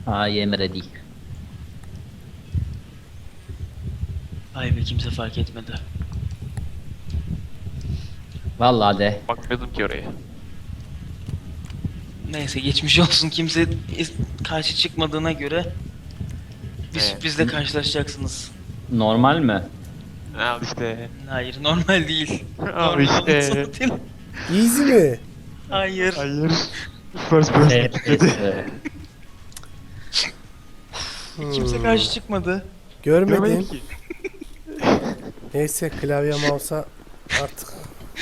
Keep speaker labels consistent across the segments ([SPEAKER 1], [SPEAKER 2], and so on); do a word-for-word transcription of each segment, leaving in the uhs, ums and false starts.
[SPEAKER 1] Ay Emre değil.
[SPEAKER 2] Ay be, kimse fark etmedi.
[SPEAKER 1] Vallahi de.
[SPEAKER 3] Bakmıyordum ki oraya.
[SPEAKER 2] Neyse, geçmiş olsun, kimse is- karşı çıkmadığına göre bir
[SPEAKER 3] Evet.
[SPEAKER 2] sürprizle karşılaşacaksınız.
[SPEAKER 1] Normal mi?
[SPEAKER 3] Al işte.
[SPEAKER 2] Hayır, normal değil.
[SPEAKER 3] Al
[SPEAKER 2] Normal
[SPEAKER 3] işte.
[SPEAKER 2] zaten.
[SPEAKER 4] Easy mi?
[SPEAKER 2] Hayır.
[SPEAKER 3] Hayır. First person.
[SPEAKER 1] Evet. evet.
[SPEAKER 2] Kimse karşı çıkmadı.
[SPEAKER 4] Görmedim.
[SPEAKER 3] Görmedim ki.
[SPEAKER 4] Neyse klavye mouse'a artık.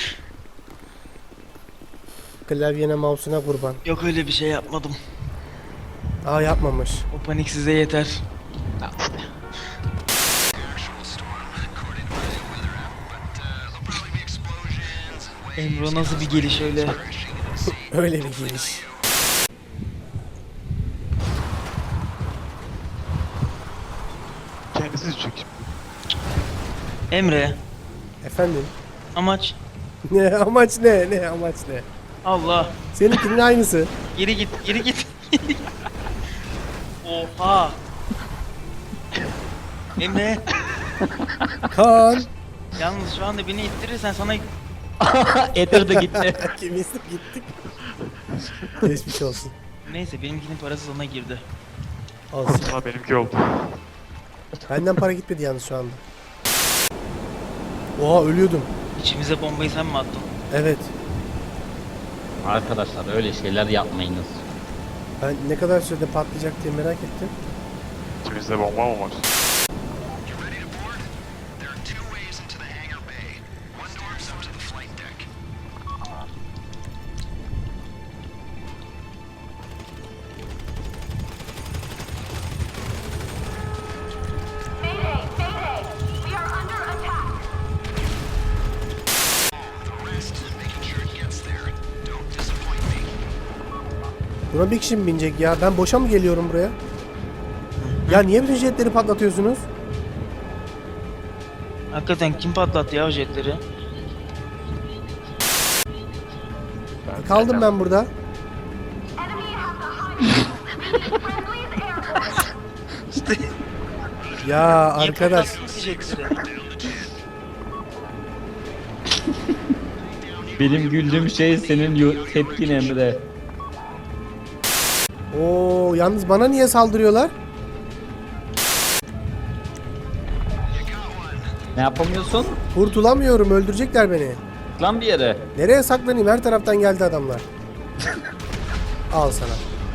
[SPEAKER 4] Klavyene mouse'una kurban.
[SPEAKER 2] Yok, öyle bir şey yapmadım.
[SPEAKER 4] Aa yapmamış.
[SPEAKER 2] O panik size yeter.
[SPEAKER 3] Al işte.
[SPEAKER 2] Emre, nasıl bir geliş öyle?
[SPEAKER 4] Öyle bir giriş.
[SPEAKER 3] Kendisi düşecek şimdi.
[SPEAKER 2] Emre,
[SPEAKER 4] Efendim?
[SPEAKER 2] amaç?
[SPEAKER 4] Ne amaç ne? Ne amaç ne?
[SPEAKER 2] Allah.
[SPEAKER 4] Seninkinin aynısı.
[SPEAKER 2] Geri git, geri git. Oha. Emre,
[SPEAKER 4] Kaan.
[SPEAKER 2] yalnız şu anda beni ittirirsen sana
[SPEAKER 1] Ether de gitti.
[SPEAKER 4] İkimiz de gittik. Geçmiş olsun.
[SPEAKER 2] neyse, benimkinin parası ona girdi.
[SPEAKER 4] Olsun.
[SPEAKER 3] Ama benimki oldu.
[SPEAKER 4] Benden para gitmedi yalnız şu anda. Oha ölüyordum.
[SPEAKER 2] İçimize bombayı sen mi attın?
[SPEAKER 4] Evet.
[SPEAKER 1] Arkadaşlar öyle şeyler yapmayınız.
[SPEAKER 4] Ben ne kadar sürede patlayacak diye merak ettim.
[SPEAKER 3] İçimizde bomba mı var?
[SPEAKER 5] Mayday! Mayday! We are under attack!
[SPEAKER 4] Buna bir kişi mi binecek ya? Ben boşa mı geliyorum buraya? Ya niye bütün jetleri patlatıyorsunuz?
[SPEAKER 2] Hakikaten kim patlattı ya o jetleri?
[SPEAKER 4] Kaldım ben burada.
[SPEAKER 5] Enemy has the high friendly's airborne!
[SPEAKER 2] İşte
[SPEAKER 4] Ya
[SPEAKER 2] niye
[SPEAKER 4] arkadaş.
[SPEAKER 2] patlattınız ki jetleri?
[SPEAKER 1] Benim güldüğüm şey senin yo- tepkin Emre.
[SPEAKER 4] Oo yalnız bana niye saldırıyorlar?
[SPEAKER 1] Ne yapamıyorsun?
[SPEAKER 4] Kurtulamıyorum, öldürecekler beni.
[SPEAKER 1] Lan bir yere.
[SPEAKER 4] Nereye saklanayım? Her taraftan geldi adamlar. Al sana.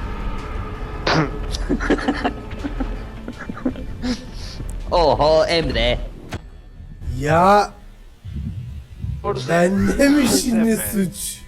[SPEAKER 1] Oho Emre.
[SPEAKER 4] Ya bende mi şimdi suç?